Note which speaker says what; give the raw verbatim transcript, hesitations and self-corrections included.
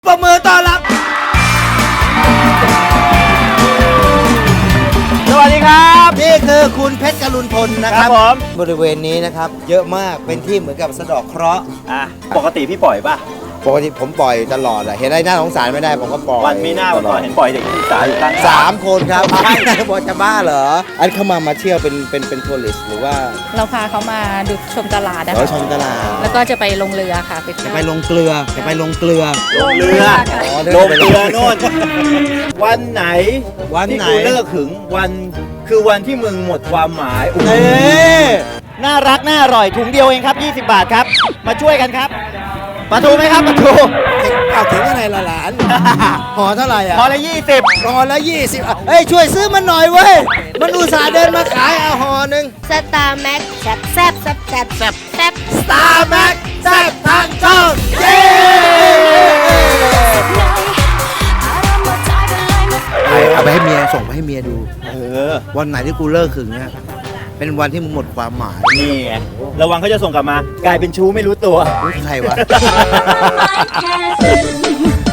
Speaker 1: ปรบมือต้อนรับสวัสดีครับนี่คือคุณเพชรกรุณพลนะครับผมบริเวณนี้นะครับเยอะมากเป็นที่เหมือนกับสะเดาะเคราะห์อ่ะปกติพี่ปล่อยป่ะปกติผมปล่อยตลอดอะเห็นอะไรน่าสงสารไม่ได้ผมก็ปล่อยวันมีหน้าวันก่อนเห็นปล่อยเด็กศึกษาอยู่ข้างสามคนครับบอกจะบ้าเหรออันเข้ามามาเที่ยวเป็นเป็นเป็นทัวริสต์หรือว่า
Speaker 2: เราพาเขามาดูชมตลาดนะ
Speaker 1: คะชมตลาด
Speaker 2: แล้วก็จะไปลงเรือค่ะไป
Speaker 1: จะไปลงเกลือจะไปลงเกลือ
Speaker 3: ลงเรือลงเรือโน่นวันไหน
Speaker 1: วันไหน
Speaker 3: ที่กูเลิกหึงวันคือวันที่มึงหมดความหมาย
Speaker 1: เอ๊
Speaker 3: น่ารักน่าอร่อยถุงเดียวเองครับยี่สิบบาทครับมาช่วยกันครับปลาทูไหมครับปลาทู
Speaker 1: เอาถึงอะไรละหลานห่อเท่าไหร่อ่ะ
Speaker 3: ห่อละยี่สิบ
Speaker 1: ห่อละยี่สิบเฮ้ยช่วยซื้อมันหน่อยเว้ยมันอุตส่าห์เดินมาขายเอาห่อหนึ่ง
Speaker 2: สตาร์แม็กแซ่บแซ่บแซ่บแซ่บแซ่บแซ่บ
Speaker 1: สตาร์แม็กแซ่บทางช่องเย้เอาไปให้เมียส่งไปให้เมียดู
Speaker 3: เออ
Speaker 1: วันไหนที่กูเลิกขึงเนี่ยเป็นวันที่มึงหมดความหมาย
Speaker 3: นี่ไงระวังเขาจะส่งกลับมากลายเป็นชู้ไม่รู้ตัว
Speaker 1: ใครวะ